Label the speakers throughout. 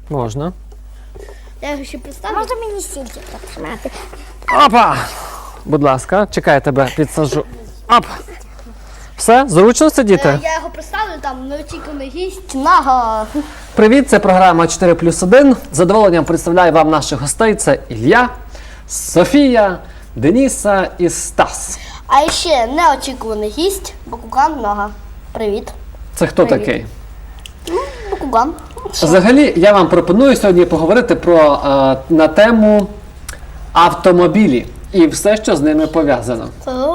Speaker 1: Можна.
Speaker 2: Я його ще представлю.
Speaker 3: Можна мені стільки потримати?
Speaker 1: Опа! Будь ласка, чекай, я тебе підсажу. Оп! Все, зручно сидіти?
Speaker 2: Я його представлю, там неочікуваний гість, Нага.
Speaker 1: Привіт, це програма 4+1. З задоволенням представляю вам наших гостей. Це Ілля, Софія, Деніса і Стас.
Speaker 2: А ще неочікуваний гість, Бакуган Нага. Привіт.
Speaker 1: Це хто такий?
Speaker 2: Бакуган.
Speaker 1: Взагалі, я вам пропоную сьогодні поговорити на тему автомобілі і все, що з ними пов'язано.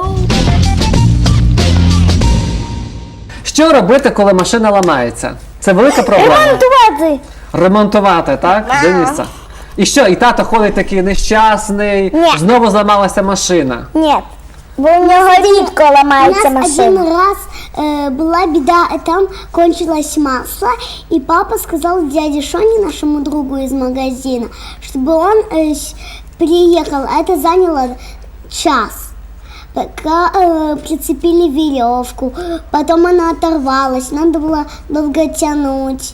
Speaker 1: Що робити, коли машина ламається? Це велика проблема.
Speaker 3: Ремонтувати!
Speaker 1: Ремонтувати, так, Деніса? І що, і тато ходить такий нещасний,
Speaker 3: Ні.
Speaker 1: знову зламалася машина.
Speaker 3: Нет, бо у нього рідко ламається
Speaker 4: У нас
Speaker 3: машина.
Speaker 4: один раз была беда, там кончилось масло, и папа сказал дяде Шоне, нашему другу из магазина, чтобы он приехал. Это заняло час. Пока прицепили веревку, потом она оторвалась, надо было долго тянуть.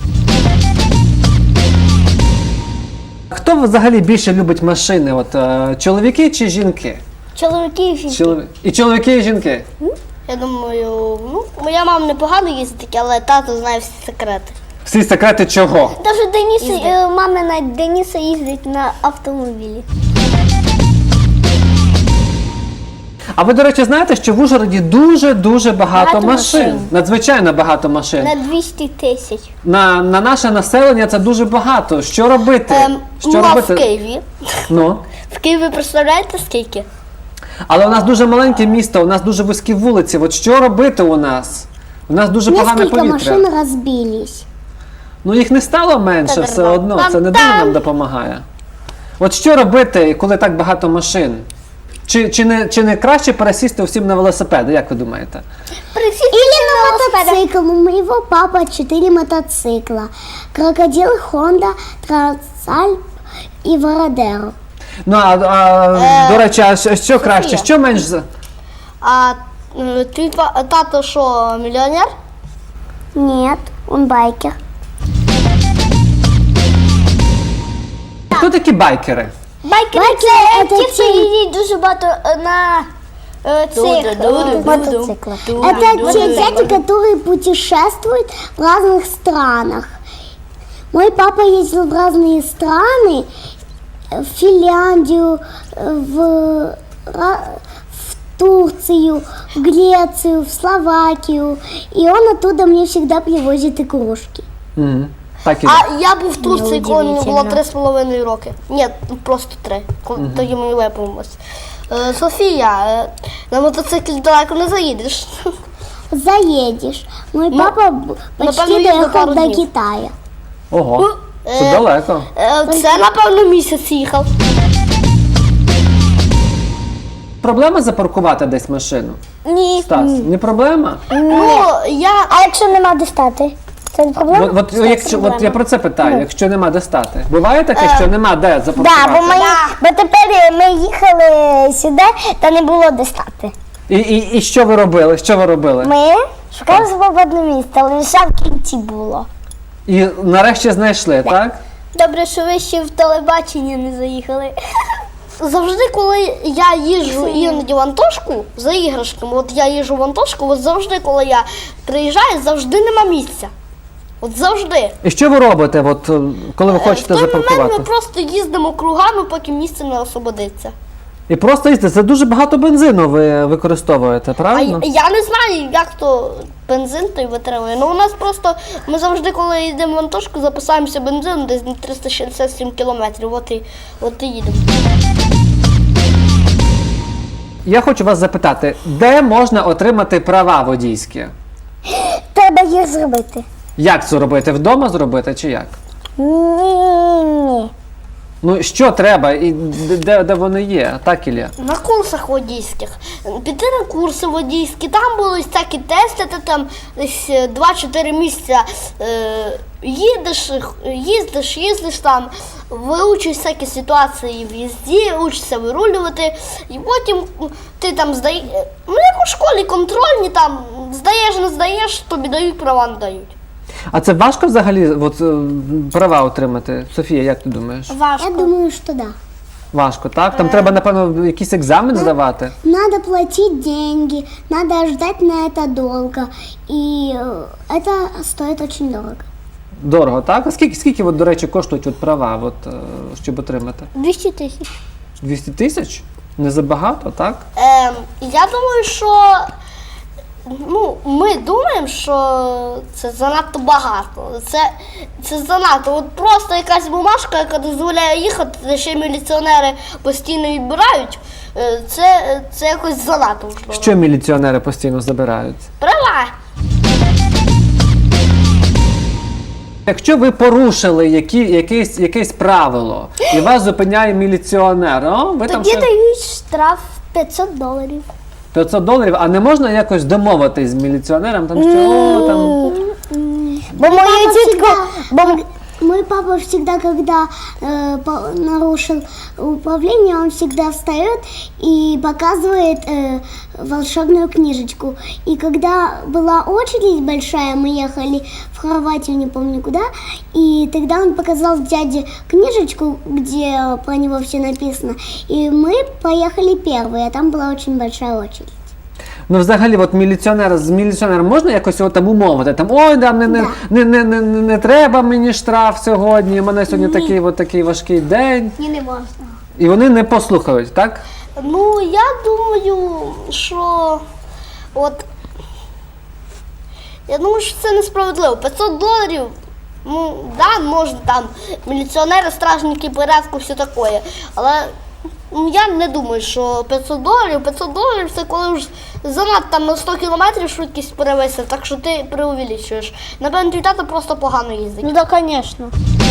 Speaker 1: Хто взагалі більше любить машини? Чоловіки чи жінки?
Speaker 3: Чоловіки і жінки.
Speaker 1: І чоловіки, і жінки?
Speaker 2: Я думаю, моя мама непогано їздить, але тато знає всі секрети.
Speaker 1: Всі секрети чого?
Speaker 3: Даже мама Дениса їздить на автомобілі.
Speaker 1: А ви, до речі, знаєте, що в Ужгороді дуже-дуже багато
Speaker 3: Багато
Speaker 1: машин.
Speaker 3: машин.
Speaker 1: Надзвичайно багато машин.
Speaker 3: На 200 тисяч.
Speaker 1: На наше населення це дуже багато. Що робити? Що
Speaker 2: А
Speaker 1: робити?
Speaker 2: в Києві?
Speaker 1: Ну.
Speaker 2: В Києві представляєте скільки?
Speaker 1: Але у нас дуже маленьке місто, у нас дуже вузькі вулиці. От що робити у нас? У нас дуже погане
Speaker 4: Несколько
Speaker 1: повітря.
Speaker 4: машин разбились.
Speaker 1: Ну їх не стало менше все одно, це не дуже нам допомагає. От що робити, коли так багато машин? Чи не краще пересісти всім на велосипеди, як ви думаєте?
Speaker 4: Или на мотоцикл. У моего папы 4 мотоцикла. Крокодил, Хонда, Трансальп и Вородеро.
Speaker 1: Ну, до речі, а що краще, що менш...
Speaker 2: А твій тато що, мільйонер?
Speaker 4: Нет, он байкер.
Speaker 1: Хто такі байкери?
Speaker 3: Байкери
Speaker 4: Байкери
Speaker 3: це
Speaker 4: це
Speaker 3: ті, хто
Speaker 4: ті-
Speaker 3: їздять дуже багато на цих мотоциклах.
Speaker 4: Это те дяди, которые путешествуют в разных странах. Мой папа ездил в разные страны, в Финляндию, в Турцию, в Грецию, в Словакию. И он оттуда мне всегда привозит игрушки.
Speaker 1: Угу. Так і
Speaker 2: А я був в Турції, коли мені було
Speaker 3: Неудивительно.
Speaker 2: 3,5 роки. Ні, просто 3. Тоді мені виповнилось. Софія, на мотоциклі далеко не заїдеш.
Speaker 4: Заедешь. Мой папа почти
Speaker 2: напевно, їздив
Speaker 4: доехал
Speaker 2: пару
Speaker 4: до
Speaker 2: днів.
Speaker 4: Китая.
Speaker 1: Ого, це далеко.
Speaker 2: Це, напевно, місяць їхав.
Speaker 1: Проблема запаркувати десь машину?
Speaker 3: Ні.
Speaker 1: Стас, не проблема?
Speaker 2: Ну,
Speaker 3: А якщо нема де стати? Це не проблема?
Speaker 1: От я про це питаю, якщо нема де стати. Буває таке, що нема де запаркувати?
Speaker 3: Да, бо тепер ми їхали сюди, та не було де стати.
Speaker 1: І що ви робили? Що ви робили?
Speaker 3: Ми шукали свободне місце, але лише в кінці було.
Speaker 1: І нарешті знайшли, так?
Speaker 3: Добре, що ви ще в телебачення не заїхали.
Speaker 2: завжди, коли я їжджу іноді в Антошку за іграшками, от я їжджу в Антошку, от завжди, коли я приїжджаю, завжди нема місця. От завжди.
Speaker 1: І що ви робите, коли ви
Speaker 2: В
Speaker 1: хочете
Speaker 2: той момент
Speaker 1: запаркувати?
Speaker 2: ми просто їздимо кругами, поки місце не освободиться.
Speaker 1: І просто їздите, це дуже багато бензину ви використовуєте,
Speaker 2: А
Speaker 1: правильно?
Speaker 2: я не знаю, як то бензин той витримує. Ну у нас просто, ми завжди, коли йдемо в Антошку, записаємося бензину десь на 367 кілометрів. От і їдемо.
Speaker 1: Я хочу вас запитати, де можна отримати права водійські?
Speaker 3: Треба їх зробити.
Speaker 1: Як це робити? Вдома зробити чи як?
Speaker 3: Ні.
Speaker 1: Ну, що треба і де вони є, так, Ілля?
Speaker 2: На курсах водійських. Піти на курси водійські, там були всякі тести, ти там десь 2-4 місяця їздиш там, виучиш всякі ситуації в їзді, учишся вирулювати, і потім ти там здаєш, ну як у школі контрольні, там здаєш, не здаєш, тобі дають, права не дають.
Speaker 1: А це важко взагалі от, права отримати? Софія, як ти думаєш?
Speaker 2: Важко.
Speaker 4: Я думаю, что да.
Speaker 1: Важко, так? Там треба, напевно, якийсь екзамен здавати?
Speaker 4: Надо платить деньги, надо ждать на это долго. И это стоит очень дорого.
Speaker 1: Дорого, так? А скільки от, до речі, коштують от права, от, щоб отримати?
Speaker 2: 200 тисяч.
Speaker 1: 200 тисяч? Не забагато, так?
Speaker 2: Я думаю, що ми думаємо, що це занадто багато. Це занадто. От просто якась бумажка, яка дозволяє їхати, де ще міліціонери постійно відбирають. Це якось занадто. Можливо.
Speaker 1: Що міліціонери постійно забирають?
Speaker 2: Права.
Speaker 1: Якщо ви порушили якесь правило, і вас зупиняє міліціонер, ви там
Speaker 2: Тоді
Speaker 1: ще
Speaker 2: дають штраф $500.
Speaker 1: $500, а не можна якось домовитись з міліціонером, там що там.
Speaker 3: Бо мою тітку,
Speaker 4: Мой папа всегда, когда нарушил управление, он всегда встает и показывает волшебную книжечку. И когда была очередь большая, мы ехали в Хорватию, не помню куда, и тогда он показал дяде книжечку, где про него все написано. И мы поехали первые, а там была очень большая очередь.
Speaker 1: Ну, взагалі, от з міліціонером можна якось його там умовити? Там, ой, да, не треба мені штраф сьогодні, у мене сьогодні такий важкий день.
Speaker 2: Ні, не можна.
Speaker 1: І вони не послухають, так?
Speaker 2: Ну, я думаю, що це несправедливо. $500, ну, да, можна там міліціонери, стражники, порядку, все таке. Але я не думаю, що $500 це коли вже занадто там на 100 км швидкість перевисив, так що ти преувеличуєш. Напевно, твій тато просто погано їздить.
Speaker 3: Ну так, звісно.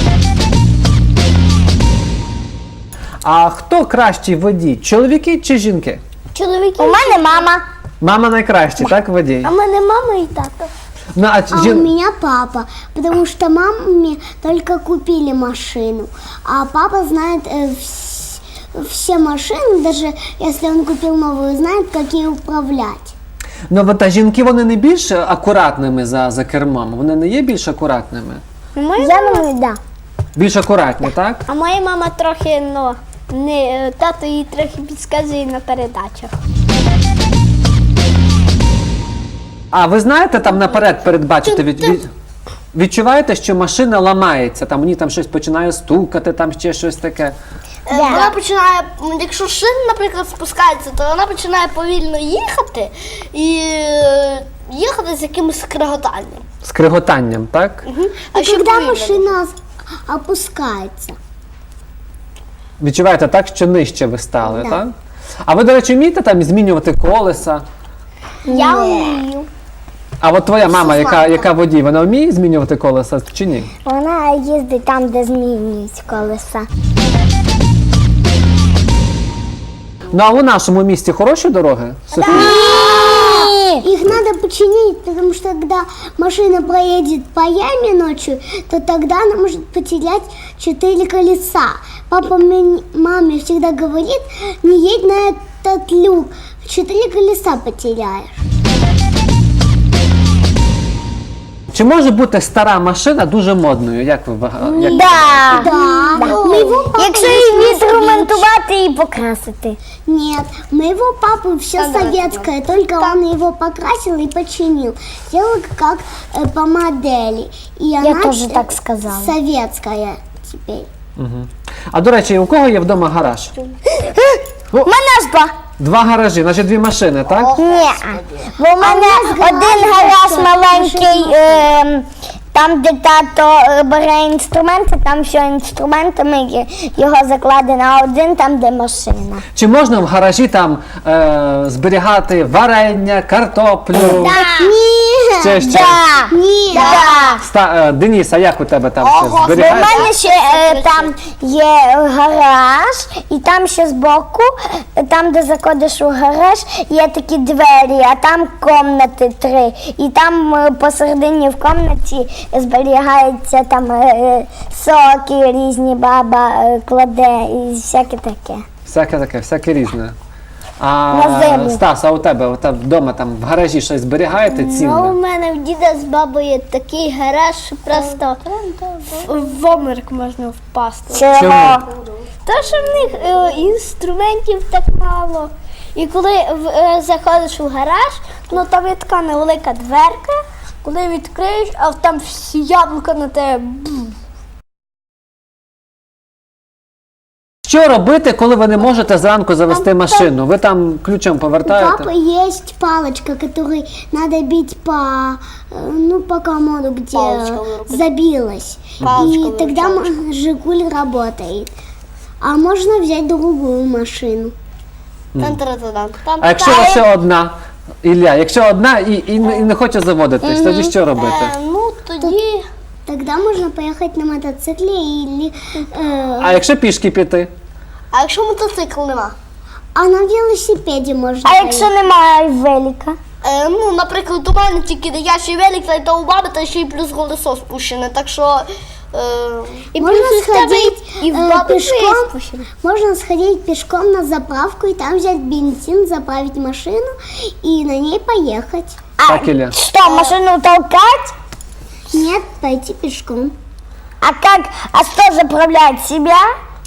Speaker 1: А хто кращий водій? Чоловіки чи жінки?
Speaker 3: Чоловіки. У мене мама.
Speaker 1: Мама найкращий, так, водій?
Speaker 3: А в мене мама і тато.
Speaker 1: Ну,
Speaker 4: А у меня папа, потому что маме только купили машину, а папа знает все машины, даже если он купил новую, знает, как ей управлять.
Speaker 1: Ну, от, а жінки, вони не більш акуратними за кермом? Вони не є більш акуратними?
Speaker 3: Я думаю, да.
Speaker 1: Більш акуратні, так?
Speaker 3: А моя мама трохи, тато їй трохи підказує на передачах.
Speaker 1: А ви знаєте, там наперед передбачити, відчуваєте, що машина ламається, там мені там щось починає стукати, там ще щось таке.
Speaker 2: Вона починає, якщо шина, наприклад, спускається, то вона починає повільно їхати і їхати з якимось скреготанням.
Speaker 1: Скриготанням, так?
Speaker 2: А ще
Speaker 4: Когда
Speaker 2: повільно.
Speaker 4: машина опускается.
Speaker 1: Відчуваєте так, що нижче ви стали, так? А ви, до речі, вмієте там змінювати колеса?
Speaker 3: Я вмію.
Speaker 1: А от твоя мама, яка водій, вона вміє змінювати колеса чи ні?
Speaker 3: Вона їздить там, де змінюють колеса.
Speaker 1: Ну, а у нашому місті хороші дороги, Софія?
Speaker 4: Их надо починить, потому что когда машина проедет по яме ночью, то тогда она может потерять 4 колеса. Папа маме всегда говорит, не едь на этот люк, 4 колеса потеряешь.
Speaker 1: Чи може бути стара машина дуже модною, як ви вважаєте?
Speaker 3: Да.
Speaker 4: Моего папы
Speaker 3: Якщо її відремонтувати і покрасити.
Speaker 4: Нет, моего папы все советское, только он его покрасил и починил. Сделал как по модели. И она
Speaker 3: тоже так сказала.
Speaker 4: Советская теперь.
Speaker 1: А до речі, у кого є вдома гараж?
Speaker 3: У мене ж два.
Speaker 1: 2 гаражі, значить 2 машини, так?
Speaker 3: Ні. Бо в мене один гараж маленький, там, де тато бере інструменти, там все інструментами його закладено, а один там, де машина.
Speaker 1: Чи можна в гаражі там зберігати варення, картоплю? Ще що?
Speaker 3: Да.
Speaker 4: Нет.
Speaker 1: Денис, а як у тебе там все
Speaker 3: Бо в
Speaker 1: зберігається?
Speaker 3: мене ще там є гараж, і там ще збоку, там, де заходиш у гараж, є такі двері, а там кімнати 3. І там посередині в кімнаті зберігається там соки різні, баба кладе і всяке таке.
Speaker 1: Всяке таке, всяке різне.
Speaker 3: На землю.
Speaker 1: Стас, а у тебе вдома там в гаражі щось зберігаєте
Speaker 2: Ну,
Speaker 1: цінне?
Speaker 2: у мене в діда з бабою такий гараж, що просто в обморок можна впасти.
Speaker 3: Чого?
Speaker 2: Та що в них інструментів так мало. І коли заходиш у гараж, ну там є така невелика дверка, коли відкриєш, а там всі яблука на тебе.
Speaker 1: Що робити, коли ви не можете зранку завести машину? Ви там ключом
Speaker 4: У
Speaker 1: повертаєте?
Speaker 4: папы есть палочка, которой надо бить по комоду, где
Speaker 2: Палочка вырубить.
Speaker 4: забилась.
Speaker 2: Палочка
Speaker 4: И тогда Жигуль работает. А можно взять другую машину.
Speaker 1: А якщо лише одна? Ілля, якщо одна і не хоче заводитись, тоді що робити?
Speaker 2: Ну тоді.
Speaker 4: Тогда можно поехать на мотоцикле или
Speaker 1: А якщо пішки піти?
Speaker 2: А якщо мотоцикл нема?
Speaker 4: а на велосипеде можно
Speaker 3: А якщо немає велика?
Speaker 2: Ну, наприклад, у мене тільки дитячий велик, та й то у баби, та ще й плюс колесо спущене, так що. І
Speaker 4: Можно
Speaker 2: плюс в тебе
Speaker 4: сходить
Speaker 2: і в баби
Speaker 4: пешком.
Speaker 2: твоє спущене.
Speaker 4: Можно сходить пешком на заправку и там взять бензин, заправить машину и на ней поехать.
Speaker 1: Так, Ілля?
Speaker 3: Что, машину толкать?
Speaker 4: Нет, пойти пешком.
Speaker 3: А как? А что заправляет себя?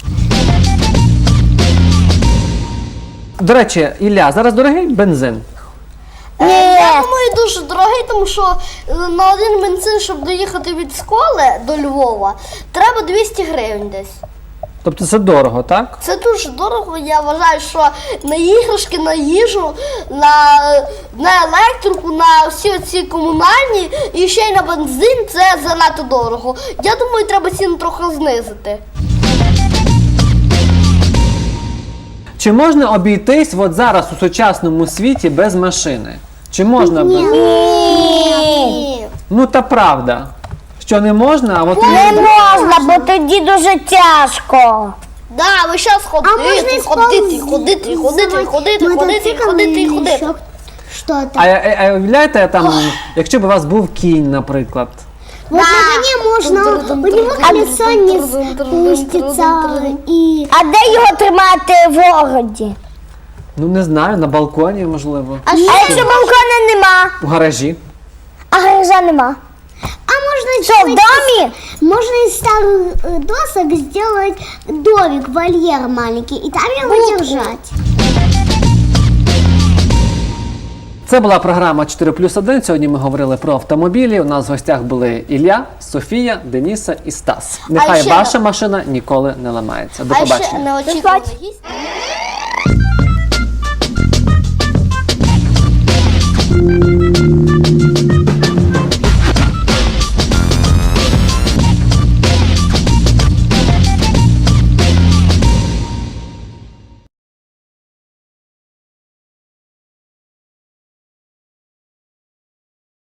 Speaker 1: До речі, Ілля, зараз дорогий бензин?
Speaker 2: Я
Speaker 3: Нет.
Speaker 2: думаю, дуже дорогий, тому що на один бензин, щоб доїхати від школи до Львова, треба 200 гривень десь.
Speaker 1: Тобто це дорого, так?
Speaker 2: Це дуже дорого. Я вважаю, що на іграшки, на їжу, на електрику, на всі ці комунальні і ще й на бензин це занадто дорого. Я думаю, треба ціну трохи знизити.
Speaker 1: Чи можна обійтись от зараз у сучасному світі без машини? Чи можна без?
Speaker 2: Ні.
Speaker 1: Ну та правда. Що не можна, а от
Speaker 3: Не можна, бо тоді дуже тяжко.
Speaker 2: Да, ви зараз
Speaker 4: А можно
Speaker 2: ходити,
Speaker 4: использовать
Speaker 2: ходити.
Speaker 4: мотоцикл или еще что-то.
Speaker 1: А уявляєте, там, якщо б у вас був кінь, наприклад.
Speaker 4: Вот на коне можно, у него колесо не спустится и...
Speaker 3: А де його тримати в городі?
Speaker 1: Ну не знаю, на балконі, можливо.
Speaker 3: А якщо балкона нема?
Speaker 1: У гаражі.
Speaker 3: А гаража нема?
Speaker 4: А можно
Speaker 3: Що, в домі?
Speaker 4: Можно из старых досок сделать домик, вольер маленький, и там его держать.
Speaker 1: Це була програма 4+1. Сьогодні ми говорили про автомобілі. У нас в гостях були Ілля, Софія, Деніса і Стас. Нехай
Speaker 2: ще-
Speaker 1: ваша машина ніколи не ламається. До
Speaker 2: А ще
Speaker 1: побачення.
Speaker 2: неочікуваний гість.